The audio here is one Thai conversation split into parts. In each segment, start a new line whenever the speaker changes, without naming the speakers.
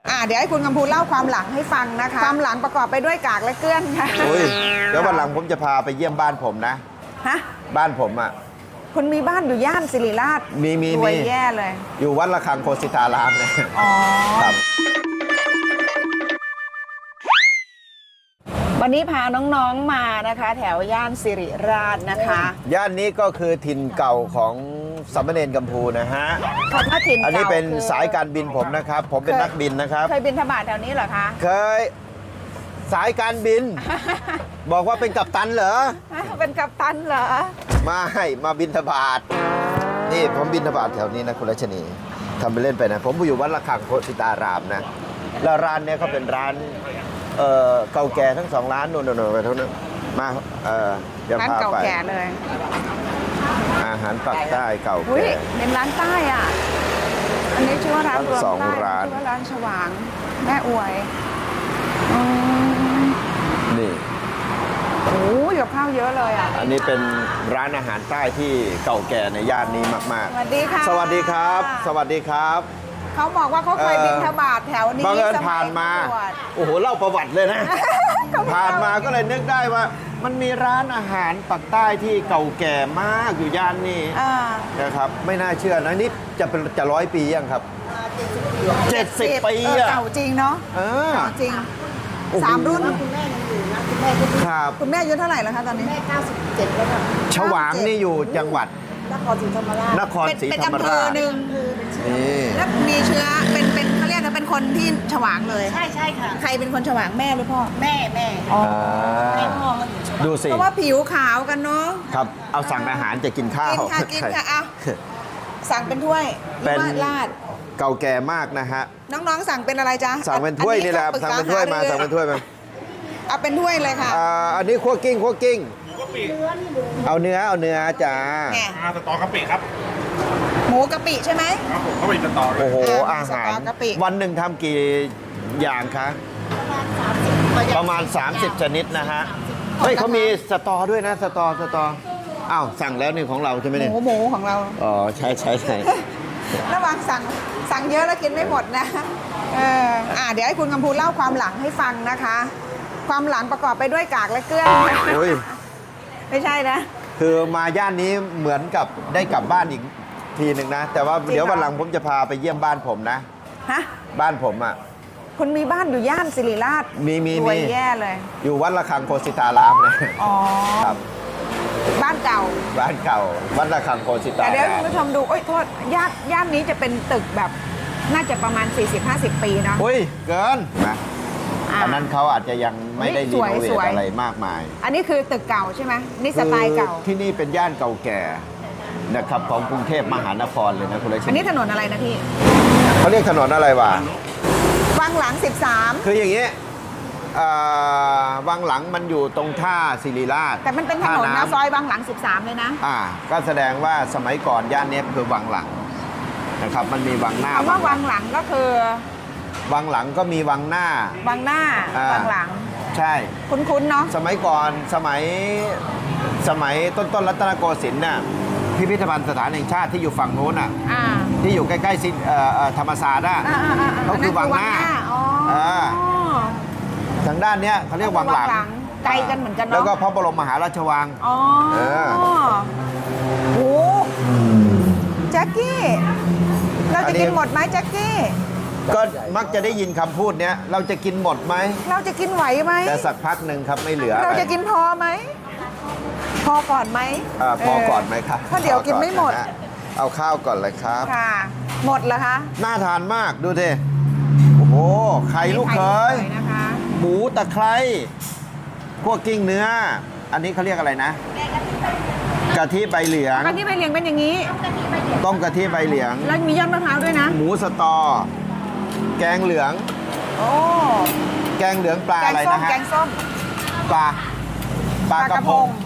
เดี๋ยวให้คุณกำพูเล่าความหลังให้ฟังนะคะความหลังประกอบไปด้วยกากและเกลื้อนค่ะ
เดี๋ยววันหลังผมจะพาไปเยี่ยมบ้านผมนะ
ฮะ
บ้านผมอ่ะ
คุณมีบ้านอยู่ย่านศิริราช
มี
รวยแย่เลย
อยู่วัดระฆังโคสิตารามเลย
อ๋อ
ครับ
วันนี้พาน้องๆมานะคะแถวย่านศิริราชนะคะ
ย่านนี้ก็คือถิ่นเก่าของสามเณรกัมพูนะฮะ
คำว่าถิ่นเก่า
อันนี้เป็นสายการบินผมนะครับผมเป็นนักบินนะครับ
เคยบินทบาทแถวนี้เหรอคะ
เคยสายการบิน บอกว่าเป็นกัปตันเหรอ
เป็นกัปตันเหรอ
มาบินทบาทนี่ผมบินทบาทแถวนี้นะคุณรัชนีทำไปเล่นไปนะผมอยู่วัดระฆังโคสิตารามนะแล้วร้านนี้เขาเป็นร้านเก่าแก่ทั้งสองร้านนู่นไปเท่านั้นมาเดี๋ยวพาไปร้าน
เก่าแก่เลย
อาหารปักใต้เก่าแก่
เป็นร้านใต้อ่ะอันนี้ชื่อว่าร้านรวมใต้ชื่อว่าร้านฉวางแม่อวย
นี่
โอ้ยกับข้าวเยอะเลยอ่ะ
อันนี้เป็นร้านอาหารใต้ที่เก่าแก่ในย่านนี้มาก
ๆสวัสดีค่ะ
สวัสดีครับสวัสดีครับ
เขาบอกว่าเขาเคยบินทบาทแถวนี้
บังเอิญผ่านมาโอ้โหเล่าประวัติเลยนะ ผ่านมาก็เลยนึกได้ว่ามันมีร้านอาหารปักใต้ที่เก่าแก่มากอยู่ย่านนี้นะครับไม่น่าเชื่อนะนี่จะ100 ปียังครับ70 ปีอะ
เก่าจริงเนาะเก่าจริง3 รุ่น
คุณแม่ยังอยู่นะคุณแม่ก็
ครับ
คุณแม่อายุเท่าไหร่แล้วคะตอนนี้
แม่97แล้วค่ะ
ฉวางนี่อยู่จังหวัด
นครศรีธรรมราช
นครศรีธรรมราช
เป็นอำเภอหนึ่งแล้วมีเชื้อเป็นเขาเรียกว่าเป็นคนที่ฉวางเลย
ใช่ค่ะ
ใครเป็นคนฉวางแม่หรือพ่อ
แม่
อ๋อ
พ่อก็อยู่ฉวาง
ดูสิ
เพราะว่าผิวขาวกันเนาะ
ครับเอาสั่งอาหารจะกินข้าว
กินค่ะเอาสั่งเป็นถ้วย
เป็น
ราด
เก่าแก่มากนะฮะ
น้องๆสั่งเป็นอะไรจ๊ะ
สั่งเป็นถ้วยนี่แหละสั่งเป็นถ้วยมาสั่งเป็นถ้วยมา
เอาเป็นถ้วยเลยค่ะ
อันนี้คั่วกิ้งเอาเนื้อจ้า
สตอกะปิครับ
หมูกะปิใช่ไหม
ครับผมเขาเป็นสตอ
โอ้โหอาหารวันหนึ่งทำกี่อย่างคะประมาณ30 ชนิดนะฮะเฮ้ยเขามีสตอด้วยนะสตออ้าวสั่งแล้วนี่ของเราใช่ไหมเนี่ย
หมูของเรา
อ๋อใช่
ระวังสั่งเยอะแล้วกินไม่หมดนะเดี๋ยวให้คุณกำพูเล่าความหลังให้ฟังนะคะความหลังประกอบไปด้วยกากและเกลื้อนไม่ใช่นะ
คือมาย่านนี้เหมือนกับได้กลับบ้านอีกทีหนึ่งนะแต่ว่าเดี๋ยววันหลังผมจะพาไปเยี่ยมบ้านผมนะบ้านผมอ่ะ
คุณมีบ้านอยู่ย่านศิริราช
มี
รวยแย่เลย
อยู่วัดระฆังโคสิตารามเลย
อ๋อ
ครับ
บ้านเก่า
วัดระฆังโคสิตาราม
เดี๋ยวคุณผู้ชมดูโทษย่านนี้จะเป็นตึกแบบน่าจะประมาณ 40-50 ปีเนาะ
อุ้ยเกินนะอันนั้นเขาอาจจะยังไม่ได้รีโนเวทอะไรมากมาย
อันนี้คือตึกเก่าใช่ไหมนี่สไตล์เก่า
ที่นี่เป็นย่านเก่าแก่นะครับของกรุงเทพมหานครเลยนะคุณเลช
อันนี้ถนนอะไรนะพี่
เขาเรียกถนนอะไรวะ
วังหลัง13
คืออย่างนี้วังหลังมันอยู่ตรงท่าศิริราช
แต่มันเป็นถนนนะซอยวังหลัง13เลยนะ
ก็แสดงว่าสมัยก่อนย่านนี้คือวังหลังนะครับมันมีวังหน้า
คำว่าวังหลังก็คือ
วังหลังก็มีวังหน้า
วังหลัง
ใช่
คุ้นๆเนาะ
สมัยก่อนสมัยต้นรัตนโกสินทร์น่ะพิพิธภัณฑ์สถานแห่งชาติที่อยู่ฝั่งโน้นที่อยู่ใกล้ๆธรรมศาสตร์เขาคือวังหน้าทางด้านนี้เขาเรียกวังหลัง
ไกลกันเหมือนกันเนาะ
แล้วก็พระบรมมหาราชวัง
โอ้แจ็คกี้เราจะกินหมดไหมแจ็คกี้
ก็มักจะได้ยินคำพูดเนี้ยเราจะกินหมดไหม
เราจะกินไหวไหม
แต่สักพักหนึ่งครับไม่เหลือ
เราจะกินพอไหมพอก่อนไหม
พอก่อนไหมครับ
เพราะเดี๋ยวกินไม่หมด
เอาข้าวก่อนเลยครับ
ค่ะหมดเหรอคะ
น่าทานมากดูดิโอ้โหไข่ลูกเขยหมูตะไคร้พวกกิ้งเนื้ออันนี้เขาเรียกอะไรนะกะทิใบเหลียง
กะทิใบเหลียงเป็นอย่างนี้
ต้มกะทิใบเหลียง
แล้วมียอดมะพร้าวด้วยนะ
หมูสตอแกงเหลืองแกงเหลืองปลาอะไรนะฮะ
แกงส้ม
ปลากระพง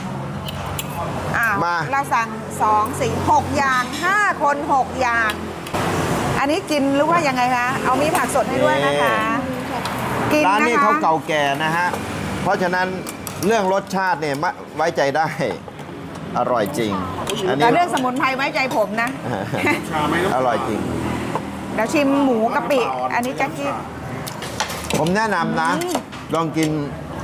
มาเราสั่ง2 4 6อย่าง5 คน6อย่างอันนี้กินหรือว่ายังไงคะเอามีผักสดให้ด้วยนะคะ
ร้านนี้เขาเก่าแก่นะฮะเพราะฉะนั้นเรื่องรสชาติเนี่ยไว้ใจได้อร่อยจริง
แต่เรื่องสมุนไพรไว้ใจผมนะ
อร่อยจริง
เดี๋ยวชิมหมูกะปิ อันนี้แจ็คกี้
ผมแนะนำนะ ลองกิน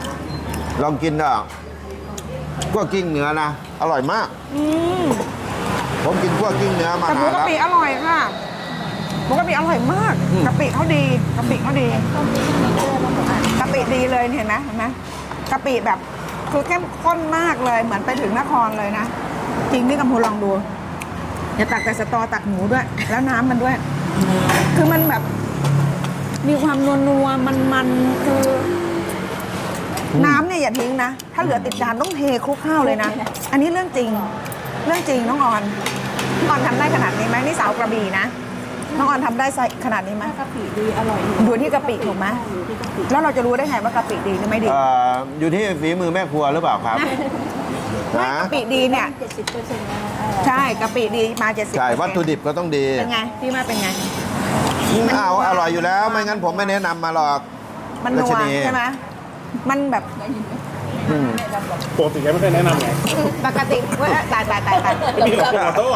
คั่วกิ้งเนื้อนะ อร่อยมาก
อืม
ผมกินคั่วกิ้งเนื้อมา
แต่หมู
นาน
กะ
แล้ว
ปิอร่อยค่ะหมูกะปิอร่อยมาก
อืม
กะปิเขาดีกะปิเขาดีกะปิดีเลยเห็นไหมกะปิแบบคือเข้มข้นมากเลย เหมือนไปถึงนครเลยนะ จริงพี่กำพูลองดูอย่าตักแต่สตอตักหมูด้วย แล้วน้ำมันด้วย คือมันแบบ มีความนัวๆมันๆคือ น้ำเนี่ยอย่าทิ้งนะ ถ้าเหลือติดจานต้องเทคลุกข้าวเลยนะ อันนี้เรื่องจริง เรื่องจริงน้องออนน้องออนทำได้ขนาดนี้ไหมนี่สาวกระบี่นะ น้องออนทำได้ขนาดนี้ไหม
กะปิดีอร่อย
อยู่ที่กะปิถูกไหม
อยู่ที่กะปิ
แล้วเราจะรู้ได้ไงว่ากะปิดีหรือไม่ดี
อยู่ที่ฝีมือแม่ครัวหรือเปล่าครับ
ไม่
นะ
กะปิดีเนี่ย
70%นะ
ใช่กะปิดีมา70%
ใช่วัตถุดิบก็ต้องดี
เป็นไงพี่มาเป็นไง
เอาอร่อยอยู่แล้ว ไม่งั้นผมไม่แนะนำมาหรอก
มันนัว
รัชนี
ใช่ไหมมันแบบ
อืม
ปกติแกไม่เคยแนะนำไง
ปกติเว้ยตาย
มีหรอกขอโทษ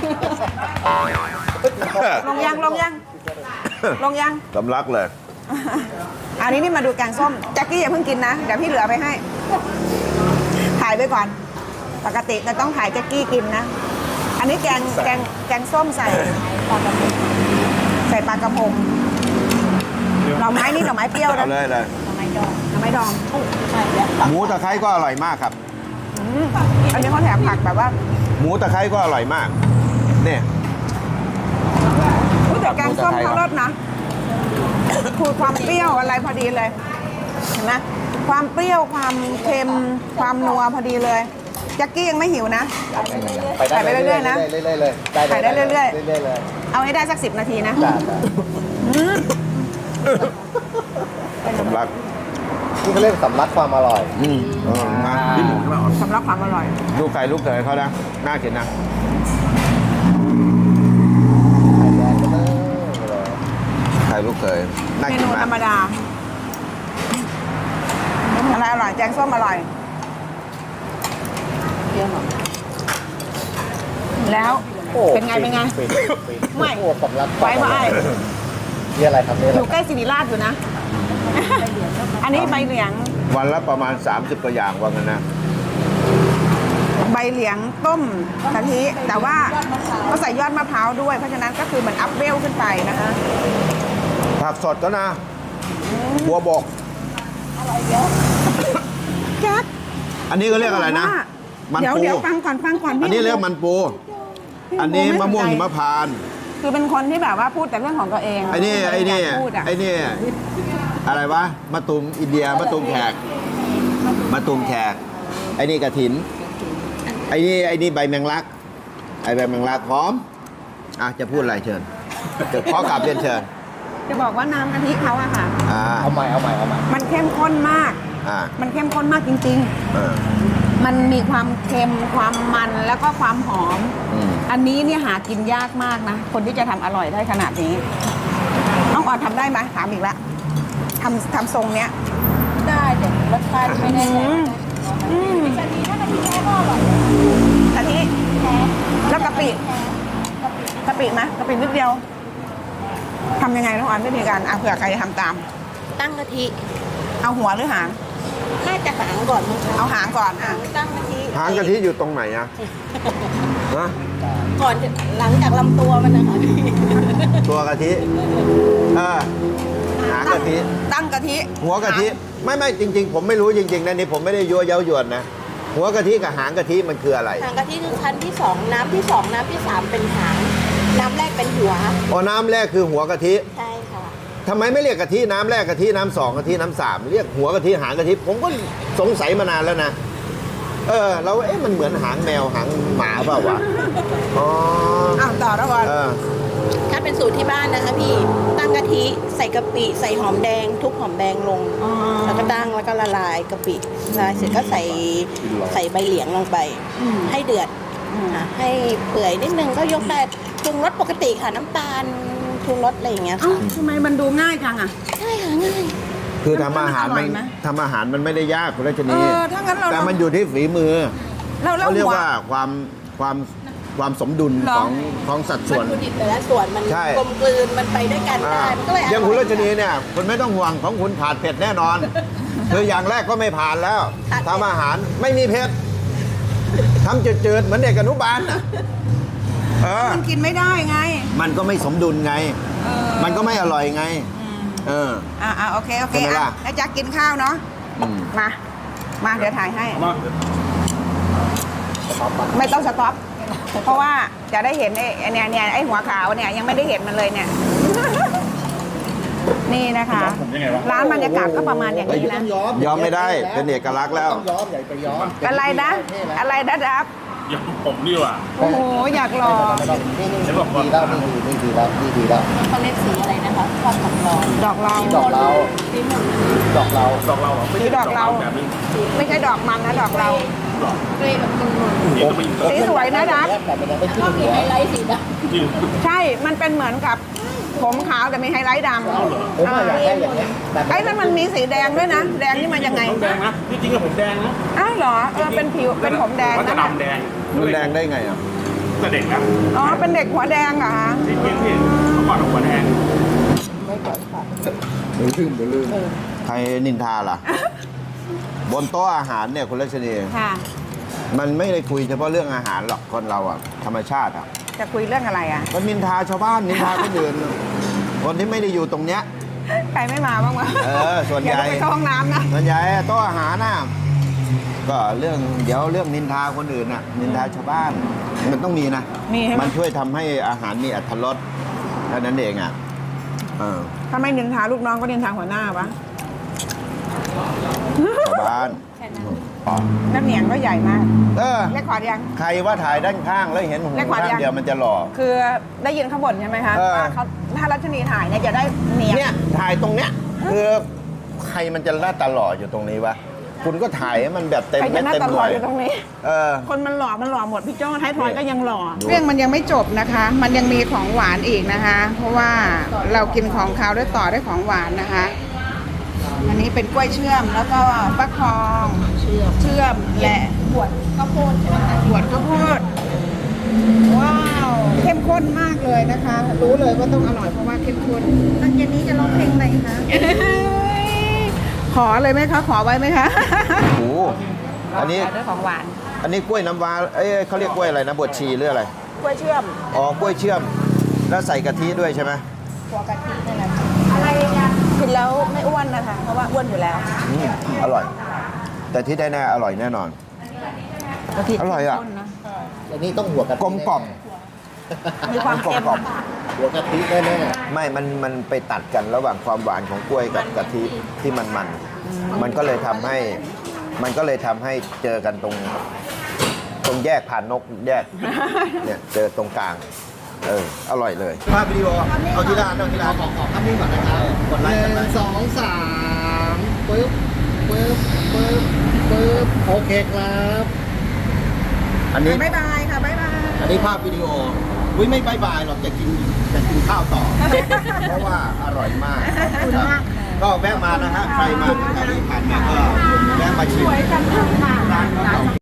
ลงยังลงยัง
สำลักเลย
อันนี้นี่มาดูแกงส้มแจ็คกี้อย่าเพิ่งกินนะเดี๋ยวพี่เหลือไปให้ถ่ายไปก่อน ปกติจะต้องถ่ายแจ็คกี้กินนะ อันนี้แกงส้มใส่ปลากระพงหน่อไม้นี่หน่อไม้เปรี้ยวนะ
เอาเลยเลย
หน่อไม้ดอง
ใช่แล้ว
หมูตะไคร้ก็อร่อยมากครับ
อันนี้เขาแถมผักแบบว่า
หมูตะไคร้ก็อร่อยมากเนี่ย
อุ๊ยแต่แกงส้มเขารสนะคือความเปรี้ยวอะไรพอดีเลยเห็นไหมความเปรี้ยวความเค็มความนัวพอดีเลยแจ็คกี้ยังไม่หิวนะ ถ่ายไปเรื่อยๆนะ
เรื่อยๆเลย
ถ่ายได้เรื่อยๆ
เรื่อยๆเลย
เอาให้ได้สัก10 นาทีนะ
จ้า
อืม
สำลัก
นี่เขาเรียกสำลักความอร่อย
มาพี่หมูใช่ไหม
สำหรับความอร่อย
ลูกไก่ลูกเขยเขานะน่ากินนะ
ไข่แดงก็เลย
ไก่ลูกเขยน่า
เม
กิน
นู
มา
ธรรม
ก
ดาอะไรอร่อยแกงส้มอร่อย
เดี๋ยวหน่อย
แล้ว
โอ้
เป็นไง
ฟิฟิน
ไม่
โอ้สำลัก
ไว้ว่าไอ้
นี่อะไรครับนี่อะ
อ
ไร
ยู่ใกล้ศิริราชอยู่นะ อันนี้ใบเหลียง
วันละประมาณ 30กว่าอย่างว่างั้นนะ
ใบเหลียงต้มกะทิแต่ว่าเขาใส่ยอดมะพร้าวด้วย เพราะฉะนั้นก็คือเหมือนอัพเวลขึ้นไปนะคะ
ผักสดก็นะ บัวบก
แจ๊ค
อันนี้ก็เรียกอะไรนะ มัน
เดี๋ยว
ปู
เดี๋ยวฟังก่อนพี่
อันนี้เรียกมันปู
พี่
อันนี้
ไ
มะม่วง
สนใจ
หิมพานต์
คือเป็นคนที่แบบว่าพูดแต่เรื่องของตัวเอง
ไอ้นี่ไอ้นี่
ม่ยากพูดอะ
ไอ้นี่อะไรวะมะตูมอินเดียมะตูมแขกมะตูมแขกไอ้นี่กระถินไอ้นี่ใบแมงลักไอ้ใบแมงลักหอมจะพูดอะไรเชิญจะขอกลับเรียนเชิญ
จะบอกว่าน้ำกะทิเขาอะค่ะ
เอาใหม่
มันเข้มข้นมาก มันเข้มข้นมากจริง ๆ มันมีความเค็มความมันแล้วก็ความหอม อันนี้เนี่ยหากินยากมากนะ คนที่จะทำอร่อยได้ขนาดนี้ น้องออนทำได้ไหมถามอีกแล้วทำทรงเนี้ย
ได้แต่รสชาติไม่ได้แรง
อืมกะทิแล้วกะปิไหมกะปินิดเดียวทำยังไงน้องออนวิธีการเผื่อใครจะทำตาม
ตั้งกะทิ
เอาหัวหรือหาง
น่าจะหางก่อนมั้งคะ
เอาหางก่อนอ่ะ
ตั้งกะทิ
หางกะทิอยู่ตรงไหนอะฮะ
ก่อนหลังจากลำตัวมันนะคะพี่
ตัวกะทิหางกะทิ
ตั้งกะทิ
หัวกะทิไม่จริง ๆ ผมไม่รู้จริงๆนะนี่ผมไม่ได้ยั่วเย้ายวนนะหัวกะทิกับหางกะทิมันคืออะไร
หางกะทิคือชั้นที่สองน้ำที่สองน้ำที่สามเป็นหางน้ำแรกเป็นหัว
น้ำแรกคือหัวกะทิ
ใช่ค่ะ
ทำไมไม่เรียกกะทิน้ำแรกกะทิน้ำสองกะทิน้ำสามเรียกหัวกะทิหางกะทิผมก็สงสัยมานานแล้วนะเรามันเหมือนหางแมวหางหมาเปล่าวะ
อ้าวต่อแล้วก่อน
ถ้าเป็นสูตรที่บ้านนะคะพี่ตั้งกะทิใส่กะปิใส่หอมแดงทุบหอมแดงลง แล้วก็ตั้งแล้วก็ละลายกะปิละลายเสร็จก็ใส่ใบเหลียงลงไป ให้เดือดค่ะให้เปื่อยนิดนึงก็ยกได้ปรุงรสปกติค่ะน้ำตาลปรุงรสอะไรอย่างเงี้ย
เอ้า
ค่ะ
ทำไมมันดูง่ายจังอ่ะ
ใช่ค่ะง่าย
คือทำอาหาร
มันอร่อยไหม
ทำอาหารมันไม่ได้ยากคุณรัชนี
ถ้างั้นเรา
แต่มันอยู่ที่ฝีมือ
เรา
เขาเรียก
หัว
ว่าความความสมดุล
เหรอ
ของสัดส่วน
วัตถุดิบแต่ละส่วนมัน
ใช่
กลมกลืนมันไปด้วยกันได้มันก็เลย
อย่างคุณรัชนีเนี่ยคุณไม่ต้องห่วงของคุณผ่านเผ็ดแน่นอน คืออย่างแรกก็ไม่ผ่านแล้วทำอาหารไม่มีเผ็ดทำจืดๆเหมือนเด็กอนุบาลนะ
มันกินไม่ได้ไง
มันก็ไม่สมดุลไง มันก็ไม่อร่อยไง
โอเค
ใช่ไหมล่ะ
แล้วจะกินข้าวเนาะ
อืม
มาเดี๋ยวถ่ายให้
มา
ไม่ต้องสต็อป เพราะว่าจะได้เห็นไอ้เนี่ยไอ้หัวขาวเนี่ยยังไม่ได้เห็นมันเลยเนี่ย นี่นะคะ
ผมยังไงวะ
ร้านบรรยากาศก็ประมาณอย่างนี้นะ
ยอมไม่ได้เป็นเอกลักษณ์แล้ว
ต้องย้อมอย่าไปย้อม
อะไรนะ อะไรนะดับ
ยอมผมดีกว่า
โอ้โห อยากลอง
นี่ดีแล้วนี่ดีแล้วนี่ดีแล้ว
เขาเรียกสีอะไรนะคะชอบขับลอง
ดอกลอง
ดอกเรา
สีหมด
ดอกเรา
ดอกเราเหรอไม่ใช่
ดอกเรา
แบบนี้
ไม่ใช่ดอกมันนะดอกเรา
เกรย์แบบนุ่ม
นี่ก็ไม่ยิง
สีสวยนะดับ
แต่มันยังไม่
ๆ
ขึ้
ก็
น
มี
หัว
ไฮไลท์สีด
จริง
ใช่ มันเป็นเหมือนกับผมขาวแต่มีไฮไลท์ดำ
ผมอยากได้อย่างนี้แบบ
ไอ้นั่นมันมีสีแดงด้วยนะ แดงนี่มันยังไง
ผมแดงนะที่จริงกับผมแดงนะ
อ้าวเหรอ เป็นผิว เป็นผมแดง
มันจะ
นะ
ดำแดง
มันแดงได้ไงอ่ะ
แต่เด็กนะ
อ๋อ เป็นเด็กหัวแดงเหรอคะ
ที่เห็นเมื่อก่อนหัวแดง
ลืม
ใครนินทาล่ะ บนโต๊ะอาหารเนี่ยคุณรัชนี
ค่ะ
มันไม่ได้คุยเฉพาะเรื่องอาหารหรอกคนเราอ่ะธรรมชาติอ่ะ
จะคุยเรื่องอะไรอ่ะ
ก็นินทาชาวบ้านนินทาคนอื่นคนที่ไม่ได้อยู่ตรงเนี้ย
ใครไม่มาบ้างวะ
ส่วนใหญ่
เดี๋ยต้องไปเข้าห้องน้ำนะ
ส่วนใหญ่โต๊ะอาหารน่ะก็เรื่องนินทาคนอื่นน่ะนินทาชาวบ้าน มันต้องมีนะ
มีใช่ไหม
มันช่วยทำให้อาหารมีอรรถรสเท่านั้นเองอ่ะเออ
ถ้าไม่นินทาลูกน้องก็นินทาหัวหน้าปะ
ชาวบ้าน
น้ำเหนียงก็ใหญ่มาก
เออ
เล็กขอดยัง
ใครว่าถ่ายด้านข้างแล้วเห็นหู
เลขขวา
ข้าง
ยัง
เดียวมันจะหล่อ
คือได้ยินเขาบ่นใช่ไหมคะ
เออ
ว่าเขาถ้ารัชนีถ่ายเนี่ยจะได้เหนียง
เนี่ยถ่ายตรงเนี้ยคือใครมันจะหน้าตาหล่ออยู่ตรงนี้วะคุณก็ถ่ายให้มันแบบเต็ม
ใคร
เม็
จะ
ด
หน้า
เต็ม
ตา
ห
หล่
น่
อ
วย
อยู่ตรงนี้
เออ
คนมันหล่อหมดพี่โจ้ท้ายทอยก็ยังหล่อ
ดู
เรื่องมันยังไม่จบนะคะ มันยังมีของหวานอีกนะคะ เพราะว่าเรากินของคาวด้วยต่อด้วยของหวานนะคะ อันนี้เป็นกล้วยเชื่อมแล้วก็ฟักทองเชื่อมและ
บวชข้าวโพดใช่ไหมคะ
บวชข้าวโพดว้าวเข้มข้นมากเลยนะคะ รู้เลยว่าต้องอร่อยเพราะว่าเข้มข้น
ตอนเย็นนี้จะร้องเพลงอะไรคะ
ขอเลยไหมคะ ขอไว้ไหมคะ
โอ้โหอันนี้
ด้วยของหวาน
อันนี้กล้วยน้ำว้าเขาเรียกกล้วยอะไรนะบวชชีหรืออะไร
กล้วยเชื่อม
อ๋อกล้วยเชื่อม แล้วใส่กะทิด้วยใช่ไหม
หัวกะทินี่แหละ
อะไรกันกินแล้วไม่อ้วนนะคะ เพราะว่าอ้วนอยู่แล้ว
อร่อย แต่ที่ได้แน่อร่อยแน่นอน อร่อยอ่ะ
อันนี้ต้องหัวกะทิ
กลมกล่อม
มีความเค็ม
กลม
หัวกะทิแน่
ไม่มันไปตัดกันระหว่างความหวานของกล้วยกับกะทิที่มันก็เลยทำให้เจอกันตรงแยกผ่านนกแยก เนี่ยเจอตรงกลาง อร่อยเลยภาพวิดีโอเอาที่ร้าน
ๆขอภาพนิ่งก่อนนะครับ
กดไลค์กัน
ห
ไป
นึ่งสองสามปึ๊บโอเคครับ
อันนี้
บ๊ายบายค่ะ บ๊ายบาย
อันนี้ภาพวิดีโออุ้ยไม่บายหรอกจะกินข้าวต่อ เพราะว่าอร่อยมากครับก็แวะมานะฮะใครมาแถวนี้ผ่านมาก็แวะมาชิมร้านเขาเก่า